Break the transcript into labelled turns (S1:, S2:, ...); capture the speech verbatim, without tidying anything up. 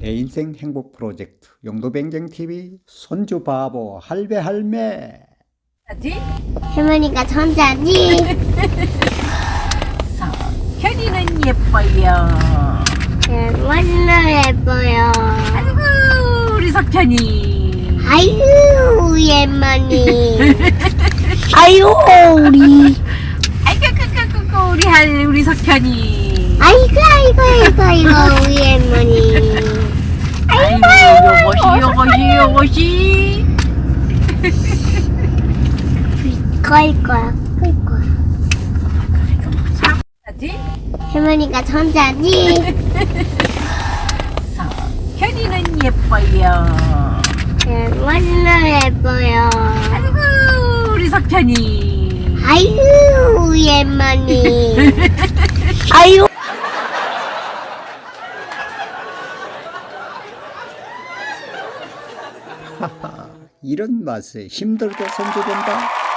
S1: 내 인생 행복 프로젝트 용도뱅쟁티비 손주 바보 할배 할매.
S2: 할머니가 천자지.
S3: 현이는 예뻐요.
S2: 정말로 예뻐요.
S3: 아이고 우리 석현이.
S2: 아이고 할머니. 아이고 우리.
S3: 아이고 끄끄끄끄 우리 할 우리 석현이.
S2: 아이고 아이고 아이고 아이고 우리 할머니.
S3: 아이고 요것이 요것이 요것이.
S2: 거일 거야 거일 거야.
S3: 하지?
S2: 할머니가 천자지.
S3: 현이는 예뻐요.
S2: 정말로 예뻐요.
S3: 아이고 우리 석현이.
S2: 아이고 우리 할머니. 아이고.
S1: 하하, 이런 맛에 힘들게 손주 본다.